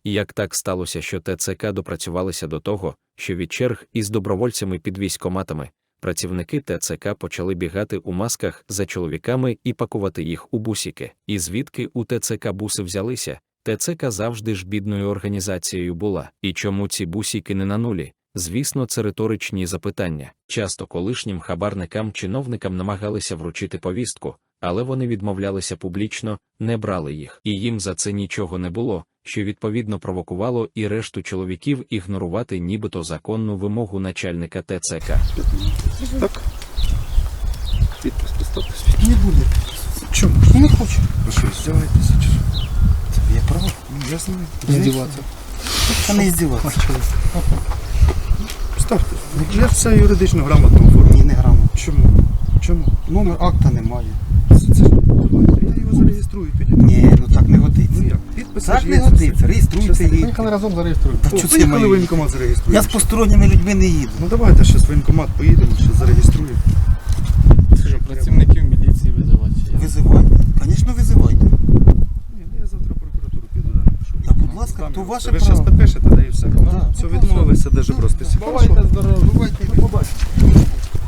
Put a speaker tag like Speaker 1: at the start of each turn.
Speaker 1: І як так сталося, що ТЦК допрацювалися до того, що від черг із добровольцями під військкоматами працівники ТЦК почали бігати у масках за чоловіками і пакувати їх у бусики. І звідки у ТЦК буси взялися? ТЦК завжди ж бідною організацією була. І чому ці бусики не на нулі? Звісно, це риторичні запитання. Часто колишнім хабарникам-чиновникам намагалися вручити повістку, але вони відмовлялися публічно, не брали їх. І їм за це нічого не було, що відповідно провокувало і решту чоловіків ігнорувати нібито законну вимогу начальника ТЦК.
Speaker 2: Так. Підпис поставте.
Speaker 3: Не буде.
Speaker 2: Чому?
Speaker 3: Не хочу.
Speaker 2: Ви що, здіваєтеся чи що?
Speaker 3: Це є право.
Speaker 2: Я знаю.
Speaker 3: Не здіватися. Та не здіватися.
Speaker 2: Ставте. Я все юридично грамотно оформлю.
Speaker 3: Ні, не грамотно.
Speaker 2: Чому? Чому?
Speaker 3: Номер акта немає.
Speaker 2: Це ж я його зареєструю тоді.
Speaker 3: Ні, ну так не годиться.
Speaker 2: Ну як? Підпис
Speaker 3: Так
Speaker 2: ж
Speaker 3: не
Speaker 2: є.
Speaker 3: годиться. Реєструйте її.
Speaker 4: Поїхали разом зареєструємо.
Speaker 3: Та
Speaker 2: О,
Speaker 3: що це
Speaker 2: поїхали
Speaker 3: має?
Speaker 2: воєнкомат зареєструємо.
Speaker 3: Я з посторонніми людьми не їду.
Speaker 2: Ну давайте ще з воєнкомат поїдемо, ще зареєструємо.
Speaker 4: Працівників міліції визивати.
Speaker 3: Визивайте. Звісно, визивайте.
Speaker 2: Ні, я завтра в прокуратуру піду, да напишу.
Speaker 3: Та будь ласка, то ваше
Speaker 2: Ви зараз
Speaker 3: право.
Speaker 2: підпишете, да і все.
Speaker 3: Да.
Speaker 2: Все, відмовилися, даже просто.
Speaker 4: Бувайте здорові.
Speaker 3: Бувайте.
Speaker 4: Побачите.